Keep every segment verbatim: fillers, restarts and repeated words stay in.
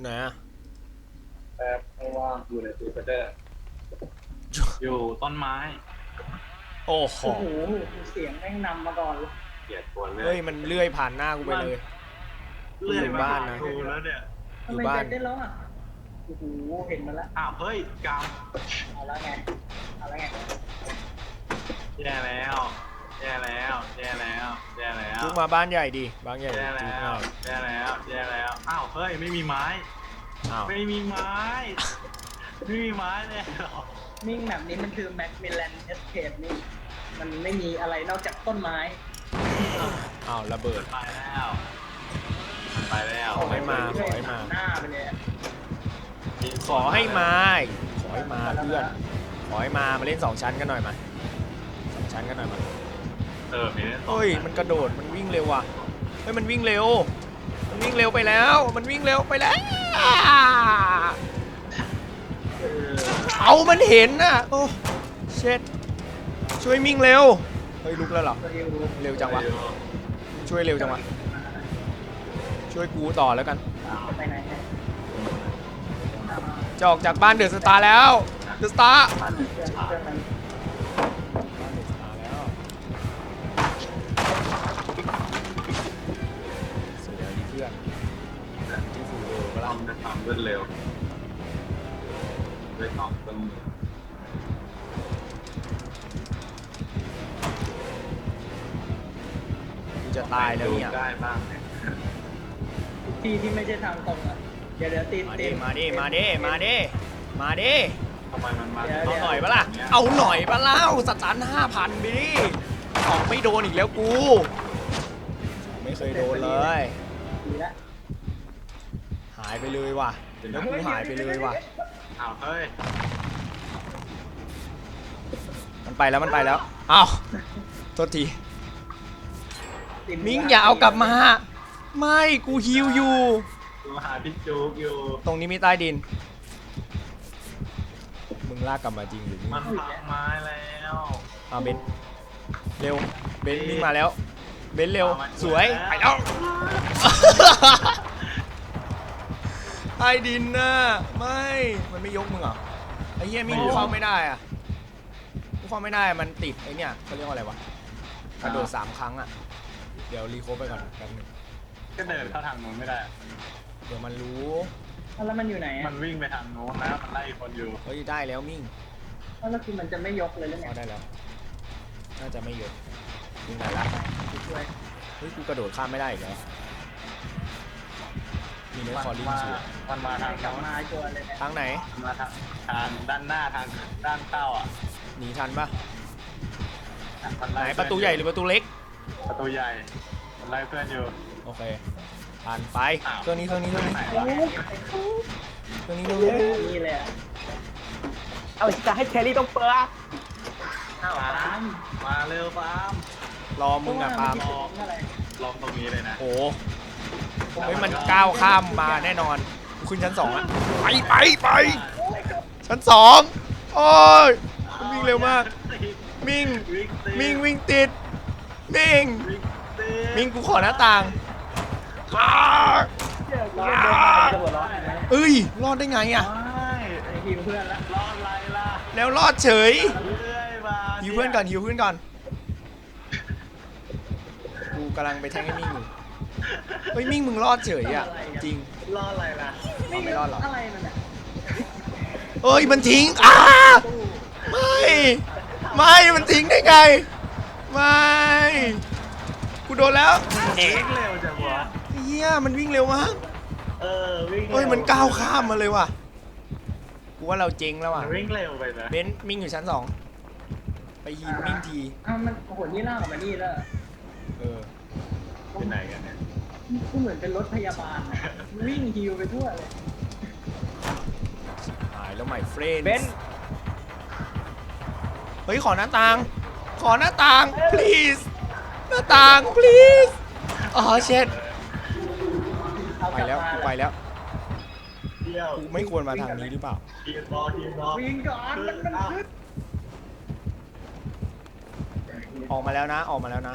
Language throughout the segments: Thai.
ไหนอะแป๊บไม่ว่างอยู่ในตู้เดอร์อยู่ต้นไม้โอ้โหโอ้โหเสียงแม่งนำมาก่อนเลยเกลียดตัวเลื่อเฮ้ยยมันเลื่อยผ่านหน้ากูไปเลยเลื่อยอยู่มาบ้านหานะกูแล้วเนี่ยอยู่ทำไมบ้านเด็ดได้แล้วอ่ะโอ้โหเห็นมาแล้วอ้าวเฮ้ยกเอาแล้วไงเอาแล้วไงำแย่แล้วแย่แล้วแย่แล้วแย่แล้วจุกมาบ้านใหญ่ดิบ้านใหญ่แย่จุกแล้ง่าวย แย่แล้วแย่แล้วอ้าวเฮ้ยไม่มีไม้อ้าวไม่มีไม้ไม่มีไม้เลยหรอนิ่งแบบนี้มันคือแม็กมิลเลนเอสเคปนี่มันไม่มีอะไรนอกจากต้นไม้อ้าวระเบิดไปแล้วไปแล้วขอให้มาขอให้มาหน้าไปเลยอะขอให้มาขอให้มาเพื่อนขอให้มามาเล่นสองชั้นกันหน่อยมาสองชั้นกันหน่อยมาเออมีเฮ้ยมันกระโดดมันวิ่งเร็วว่ะเฮ้ยมันวิ่งเร็วมันวิ่งเร็วไปแล้วมันวิ่งเร็วไปแล้วเอามันเห็นน่ะโอ้เช็ดช่วยมิ่งเร็วเฮ้ยลุกแล้วเหรอตัวเอวเร็วจังวะช่วยเร็วจังวะช่วยกูต่อแล้วกันไปไหนเนี่ยจะออกจากบ้านเดอะสตาร์แล้วเดอะสตาร์เพื่อนเพื่อนมันบ้านเดอะสตาร์แล้วเสียดีเพื่อนที่ฟูเร็วก็ต้ล่ะองจะทำรวดเร็วด้วยสองต้นกูจะตายแล้วเนี่ยได้บ้างเนี่ยที่ที่ไม่ใช่ทางตรงอ่ะเดี๋ยวเดี๋ยวตีนมาตีดินมาดิมาดิมาดิมาดิทำไมมันมาเอาหน่อยปะล่ะเอาหน่อยปะเล่าสตันห้าพันไปดิออกไม่โดนอีกแล้วกูไม่เคยโดนเลยดีละหายไปเลยว่ะแล้วกูหายไปเลยว่ะอ้าวเฮ้ยมันไปแล้วมันไปแล้วอ้าวโทษทีตีนมิงอย่าเอากลับมา ไม่กูฮิวอยู่กูหาพี่จุกอยู่ตรงนี้มีใต้ดิน มึงลากกลับมาจริงหรือมันพังไม้แล้วเอาเบนเร็วเบนวิ่งมาแล้วเบนเร็วสวยไปแล้วใต้ดินน่ะไม่มันไม่ยกมึงเหรอไอ้เหี้ยมิงกูเข้าไม่ได้อะกูเข้าไม่ได้มันติดไอ้เนี่ยเขาเรียกว่าอะไรวะกระโดดสามครั้งอะเดี๋ยวรีโคฟไปก่อนแป๊บนึงก็เดินเข้าทางนู้นไม่ได้เดี๋ยวมันรู้แล้วมันอยู่ไหนมัอ่ะนวิ่งไปทางนู้นนะมันไล่คนอยู่เฮ้ยได้แล้วมิ่งแล้วคือมันจะไม่ยกเลยหรือไงเข้าได้แล้ว น่าจะไม่ยกยิงได้ละช่วยเฮ้ยกูกระโดดข้ามไม่ได้อีกแล้วมีเนื้อมันคอลลิ่งมาชัวมันมาทางกลับนู้นมาชัวร์เลยเนี่ยทางไหนมันมาทางทางด้านหน้าทางด้านเต้าอ่ะหนีทันปะมันไหนไล่ประตูใหญ่หรือประตูเล็กประตูใหญ่มันไล่เพื่อนอยู่โอเคผ่านไปอ้าวเครื่องนี้เครื่องนี้เครื่องนี้ไหนโอ้วะโหเครื่องนี้เครื่องนี้นี่เลยอ่ะเอาจะให้แครี่ต้องเปิดอ้าวปาตาล์มมมาเร็วปาล์มรอมึงอะปาล์มลองอะไรลองตรงนี้เลยนะโอ้เฮ้ยมันก้าวข้ามมาแน่นอนกูขึ้นชั้นสองอะไปไปไปชั้นสองโอ้ยมันวิ่งเร็วมากมิงวิ่งติดมิงวิ่งติดมิงวิ่งติดมิงกูขอหน้าต่างอ้าเดี๋ยวกูเล่นเดินผ่านจะหัวร้อนอีกไหมเอ้ยรอดได้ไงอะไม่ไอทีมเพื่อนละรอดไรล่ะแล้วรอดเฉยเรื่อยมาฮิวเพื่อนก่อนฮิวเพื่อนก่อนกูกำลังไปแทงให้มิ่งอยู่เฮ้ยมิ่งมึงรอดเฉยอ่ะจริงรอดอะไรล่ะเอาไม่รอดหรออะไรมันอ่ะเอ้ยมันทิ้งอ้าไม่ไม่มันทิ้งได้ไงไม่กูโดนแล้ววิ่งเร็วจังวะเฮียมันวิ่งเร็วมากเออวิ่งเฮ้ยมันก้าวข้ามมาเลยว่ะกูว่าเราเจ๊งแล้วมัอ่ะนวิ่งเร็วไปนะเบนซ์มิ่งอยู่ชั้นสองไปยิงมิ่งทีอ้าวมันโอ้โหนี่ล่ากออกมานี่แล้วเออไปไหนกันเนี่ยกูเหมือนเป็นรถพยาบาลอะวิ่งฮิวไปทั่วเลยหายแล้วใหม่เฟรนเบนเฮ้ยขอหน้าต่าง ขอหน้าต่าง please หน้าต่าง please อ๋อเช็ดเอาไปกลับแล้วมากูไปแล้วเที่ยวกูไม่ควรมาทางนี้หรือเปล่าทีมบอลทีมบอลวิ่งก่อนมันมันขึ้นออกมาแล้วนะ ออกมาแล้วนะ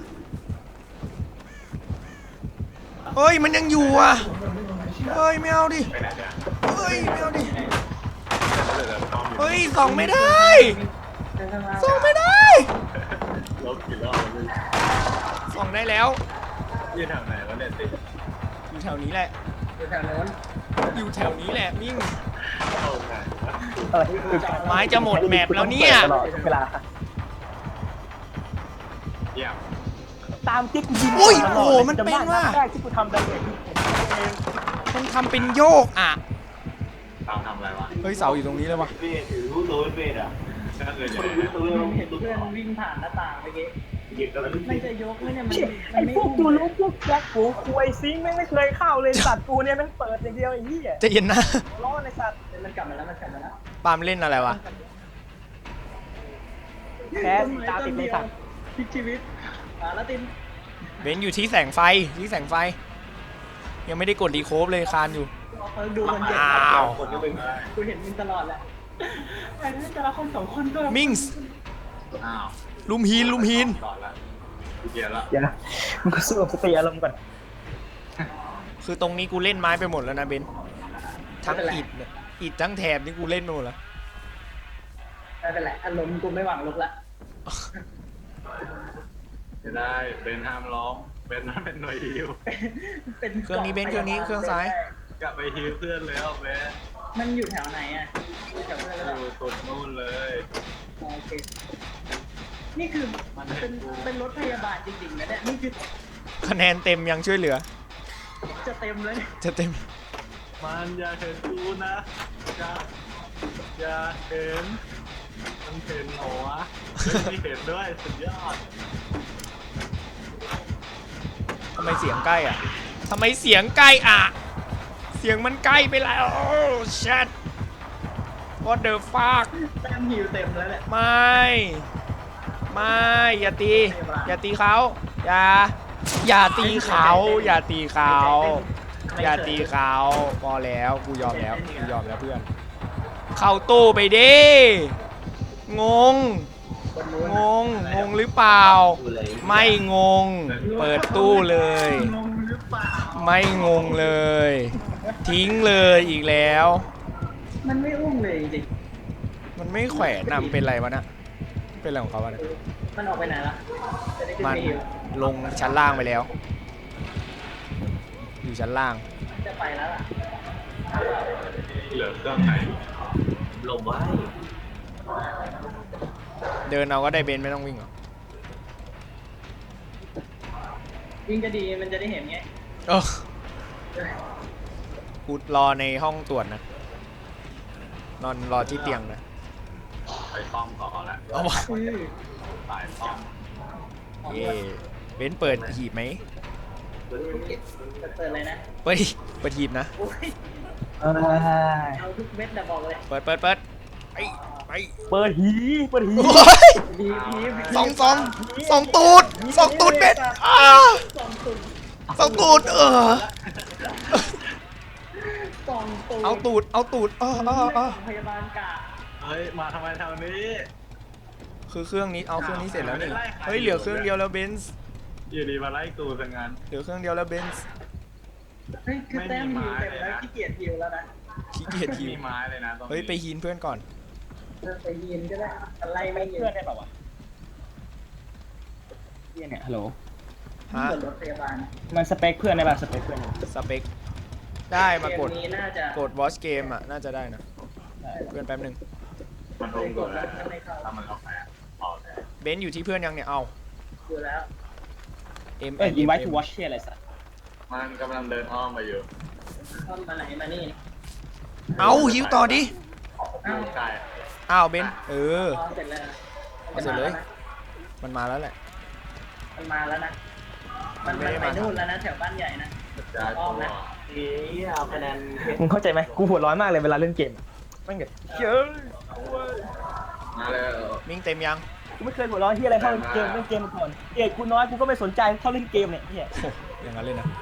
เฮ้ย มันยังอยู่อ่ะ เฮ้ย ไม่เอาดิไปไหนเนี่ยฮ้ยไม่เอาดิเดี๋ยวเดี๋ยวพร้อมอยู่เฮ้ยส่องไม่ได้เดินข้างล่างส่องไม่ได้ลบกี่รอบแล้วส่องได้แล้วยืนแถวไหนแล้วเนี่ยติอยู่แถวนี้แหละอยู่แถวโน้นอยู่แถวนี้แหละมิ่งเข้าไงเออคือไม้จะหมดแมปแล้วเนี่ยตลอดเวลาเยี่ยมตามที่กูยิงอุ้ยตลโอ้ดโหลยมันจำเป็นได้ว่ะนัดแรกที่กูทำดาเมจคือผมเองมันทำเป็นโยกอ่ะตามทำอะไรวะเฮ้ยเสาอยู่ตรงนี้เลยวะเวทถือรู้ตัวเป็นเวทอ่ะก็คือคจะนรู้ตัวผมเห็นเพื่อนวิ่งผ่านหน้าต่างเมื่อกี้หยิบแล้วมันจะยกไหมเนี่ยมันเชี่ยมัไอ้นไม่พวกอุ้มกูรู้พวกแจ็คกูคุยซิงค์แม่งไม่เคยเข้าเลยสัตว์กูเนี่ยแม่งเปิดอย่างเดียวไอ้เหี้ยใจะเย็นนะร้อนไอ้สัตว์มันกลับมาแล้วมันกลับมาแล้วปาล์มเล่นอะไรวะแพ้ตาติดเลยสัตว์พลิกชีวิตอ่าแล้วตินเบนซ์อยู่ที่แสงไฟที่แสงไฟ ยังไม่ได้กดรีโคฟเลยคานอยู่เออดูมันเจ็บอ้าวคนก็เป็นกูเห็นมึงตลอดแหละไอ้นี่แต่ละคนสองคนก็มิงส์อ้าวลุมฮีนลุมฮีนก่อนละเกียร์ละเดี๋ยวนะมึงก็สู้กับสติอารมณ์ก่อนคือตรงนี้กูเล่นไม้ไปหมดแล้วนะเบนซ์ทั้งอิดเนี่ยอิดทั้งแถบนี่กูเล่นไปหมดแล้วไม่เป็นไรอารมณ์กูไม่หวังลุกละจะได้เบนห้ามร้องเบนนั่นเป็นหน่วยฮิวเป็นเครื่องนี้เบนซ์เครื่องนี้เครื่องซ้ายกลับไปฮิวเพื่อนแล้วเบนมันอยู่แถวไหนอ่ะอยู่แถวเพื่อนแล้วเหรออยู่สุดนู่นเลยโอเคนี่คือเป็นเป็นรถพยาบาลจริงๆนะเนี่ยนี่คือคะแนนเต็มยังช่วยเหลือจะเต็มแล้วเนี่ยจะเต็มมันอย่าเห็นกูนะอย่าอย่าเห็นมันเห็นหัวไม่เห็นด้วยสุดยอดทำไมเสียงใกล้อ่ะทำไมเสียงใกล้อ่ะ เสียงมันใกล้ไปแล้วโอ้ชัด what the fuck แต้มหิวเต็มแล้วเนี่ยไม่ ไม่ อย่าตี อย่าตีเขาอย่า อย่าตีเขา อย่าตีเขา อย่าตีเขาพอแล้ว กูยอมแล้ว กูยอมแล้วเพื่อน เข้าตู้ไปดิ งงคนนู้นงง งงหรือเปล่า ไม่งง เปิดตู้เลยงงหรือเปล่าไม่งงเลย ทิ้งเลยอีกแล้วมันไม่อุ้มเลยจริงมันไม่แขวนนำเป็นไรวะนะเป็นอะไรของเขาวะเนี่ยๆมันออกไปไหนละจะได้ขึ้นมันไปหิวลงชั้นล่างไปแล้ว อยู่ชั้นล่างจะไปแล้วล่ะเหลือเครื่องไหนลมไว้เดินเอาก็ได้เบนไม่ต้องวิ่งหรอกวิ่งก็ดีมันจะได้เห็นไงเออกูรอในห้องตรวจนะ นอนรอที่เตียงนะไปป้อมต่อแล้วเอาวะอือสายป้อมเย่เบนเปิดหีบไหมจะเปิดเลยนะเปิดเปิดหีบนะโอ้ยเอ้ยเอาทุกเม็ดนะบอกเลยเปิดเปิดเปิดไปไปเปิดหีเปิดหีโอ้ยดีพีฟสองสองสองตูดสองตูดเบนอ้าสองตุ่มสองตูดเออสองตุ่มเอาตูด เอาตูดเออเออเออพยาบาลกะเฮ้ยมาทำไมแถวนี้คือเครื่องนี้ เอาเครื่องนี้เสร็จแล้วนี่ เฮ้ย เหลือเครื่องเดียวแล้วเบนซ์อยู่ดีมาไล่กูซะงั้นเหลือเครื่องเดียวแล้วเบนซ์เฮ้ยคือแต้มไม่หิมีวไม้เต็มเลยแล้วนะขี้เกียจหิวแล้วนะขี้เกียจไม่ทีมีไม้เลยนะตรงนี้เฮ้ย ไปฮีนเพื่อนก่อนเออไปยินก็ได้อะไรไม่ยินเพื่อนได้เปล่าวะเพื่อนเนี่ยฮัลโหลฮะเปิดรถพยาบาลมันสเปคเพื่อนได้ป่ะสเปคเพื่อนเนี่ยสเปค ได้มากดเกมนี้น่าจะกดวอชเกมอ่ะ น่าจะได้นะ เพื่อนแป๊บหนึงมันลงก่อนแล้วถ้ามันเอาแพ้ออกแพ้เบนซ์อยู่ที่เพื่อนยังเนี่ย เอาอยู่แล้ว M เอ้ยอินไว้ทูวอชเชี่ยอะไรสัตว์มันกำลังเดินอ้อมมาอยู่ต้นมาไหนมานี่เอาหิวต่อดิอยู่ใกล้อ้าวเบนซ์เอออ๋อเสร็จแล้วนะเอาเสร็จเลย มันมาแล้วแหละมันมาแล้วนะ มันมันไปนู่นแล้วนะแถวบ้านใหญ่นะจะอ้อมนะทีเอาคะแนนเพชรมึงเข้าใจไหมกูหัวร้อนมากเลยเวลาเล่นเกมแม่งแบบเชื่อมาเลยมิงเต็มยังกูไม่เคยหัวร้อนที่อะไรเท่าเล่นเกมเล่นเกมมาก่อนเอกกูน้อยกูก็ไม่สนใจเท่าเล่นเกมเนี่ยเฮียโอ้อย่างนั้นเลยนะ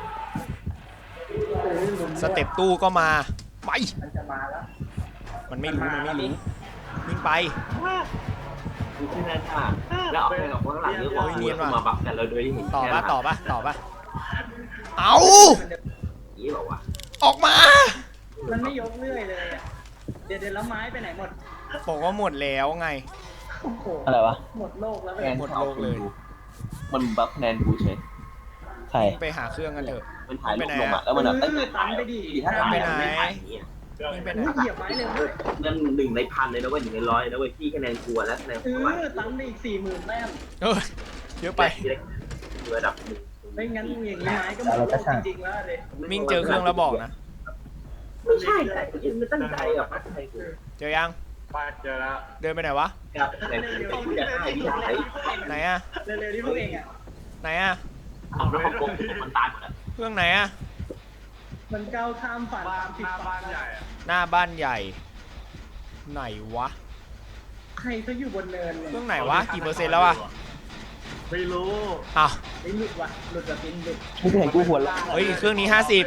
สเต็ปตู้ก็มา ไปมันจะมาแล้วมันไม่รู้ มันไม่รู้วิ่งไปดูที่นั่นค่ะแล้วเอาไปกับคนข้างหลังเยอะกว่ากูแล้วมาบัฟกันแล้วโดยที่เห็นต่อปะต่อปะต่อปะเอานี่บอกว่าออกมาเมันไม่ยกเรื่อยเลยอะเดี๋ยวเดี๋ยวแล้วไม้ไปไหนหมดบอกว่าหมดแล้วไงโอ้โหอะไรวะหมดโลกแล้วคะเว้แนยนหมดโลกเลยมันบัฟคะแนนกูเฉยใช่ไปหาเครื่องกันเถอะมันถ่ายรูปลงอ่ะแล้วมันแบบเออตันไปดิถ้าถ่ายไปไหนไม่ถ่ายอย่างเงี้ยนี่เป็นอุ้ยเหยียบไม้เร็วด้วยนั่นหนึ่งในพันเลยนะเว้ยหนึ่งในร้อยนะเว้ยพี่คะแนนกลัวและคะแนนเอกูว่าอตันไปอีกสี่หมื่นแต้มเออเยอะไประดับหนึ่งไม่งั้นอย่างนี้ไม้ก็หมดโลกจริงๆแล้วเลยมิ่งเจอเครื่องแล้วบอกนะไม่ใช่แต่กูยังไม่ตั้งใจอ่ะพัดใจกูเจอยังไปเจอแล้วเดินไปไหนวะกับแต่กูจะให้พี่ไหนไหนอะเร็วๆที่พวกเองอ่ะไหนอะเอาแล้วเขาโกงมันตายหมดแล้วเครื่องไหนอะมันก้าวข้ามฝันบ้าตาน มผิหดน้าฝับ้าน นใหญ่อะหน้าบ้านใหญ่ ไหนวะใครเขาอยู่บนเนินเลยเครื่องไหนวะ กี่เปอร์เซ็นต์แล้วอะไม่รู้อ้าวไอ้หลุดว่ะหลุดแบบบินหลุดมึงเห็นกูหัวเราะเฮ้ยเครื่องนี้ห้าสิบ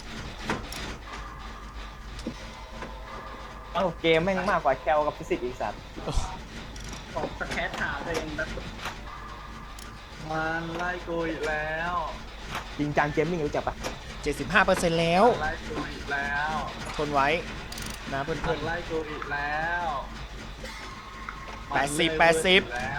เอ้าเกมแม่งมากกว่าแคลกับฟิสิกส์อีกสัตว์ของสแคทถามตัวเองแบบมันไล่กูอีกแล้วจริงจังเกมมิ่งรู้จักปะเจ็ดสิบห้าเปอร์เซ็นต์แล้วไล่กูอีกแล้วทนไว้นะเพื่มัอนนไล่กูอีกแล้วแปดสิบแปดสิบแล้ว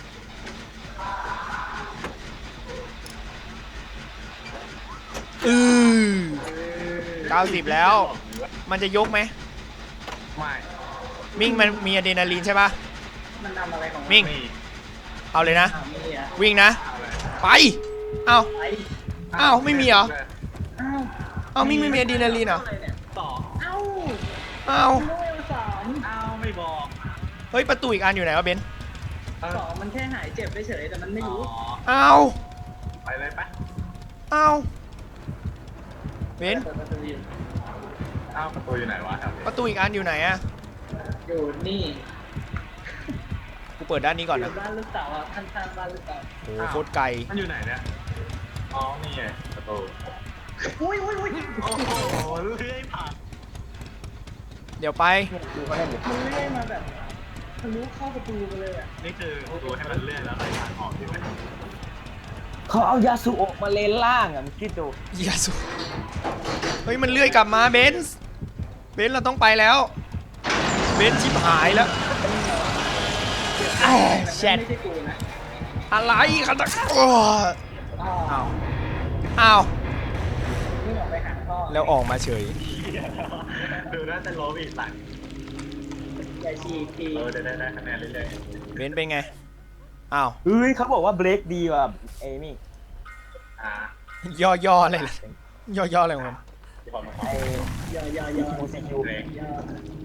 ๆอือเก้าสิบแล้ว มันจะยกไหมไม่มิ่งมันมีอะดรีนาลีนใช่ปะมันทำอะไรของนมิ่งมีเอาเลยนะอ้าวมีอ่ะวิ่งนะอะไรไป เอาไอ้อ้าวไม่มีเหรออ้าวเอามิ่งไม่มีอะดรีนาลีนเหรอต่อเอ้าเอาโลกสามอ้าวไม่บอกเฮ้ยประตูอีกอันอยู่ไหนวะเบนซ์เออสองมันแค่หายเจ็บเฉยๆแต่มันไม่รู้อ๋อเอาไปเลยปะเอาเบนซ์เปิดประตูอยู่อ้าวประตูอยู่ไหนวะครับประตูอีกอันอยู่ไหนอะอยู่นี่กูเปิดด้านนี้ก่อนอนะยู่บ้านลูกสาวอ่ะข้างๆบ้านลูกสาวโอ้โหโคตรไกลมันอยู่ไหนเนี่ยอ๋อนี่ไงประตูอุ้ยอุ้ยอุ้ยโอ้โหเลื่อยผ่านเดี๋ยวไปดูเขาเล่นดิมันเลื่อยมาแบบทะลุเข้าประตูไปเลยอ่ะนี่คือประตูให้มันเลื่อนแล้วไหลผ่านออกใช่ไหมเขาเอายาสูโอะมาเลนล่างอ่ะมึงคิดดูเหี้ยสุดเฮ้ยมันเลื่อยกลับมาเบนซ์เบนซ์เราต้องไปแล้ว เบนซ์ชิบหายแล้วแอ้แชทไม่ใช่กูนะอะไรกันตะโอ้ยอ้าวอ้าวอ้าวนี่ออกไปหาพ่อแล้วออกมาเฉยดูน่าจะล้มอีกหลังอย่าฉีกทีเออเดี๋ยวได้ได้คะแนนเรื่อยเบนซ์เป็นไงอ้าวเฮ้ยเขาบอกว่าเบรกดีกว่าไอ้นี่ๆอ่าย่อย่ออะไรล่ะย่อย่ออะไรของมันที่พอมาไอ้อย่าอย่าอย่ามูซีคิวเบรกอย่า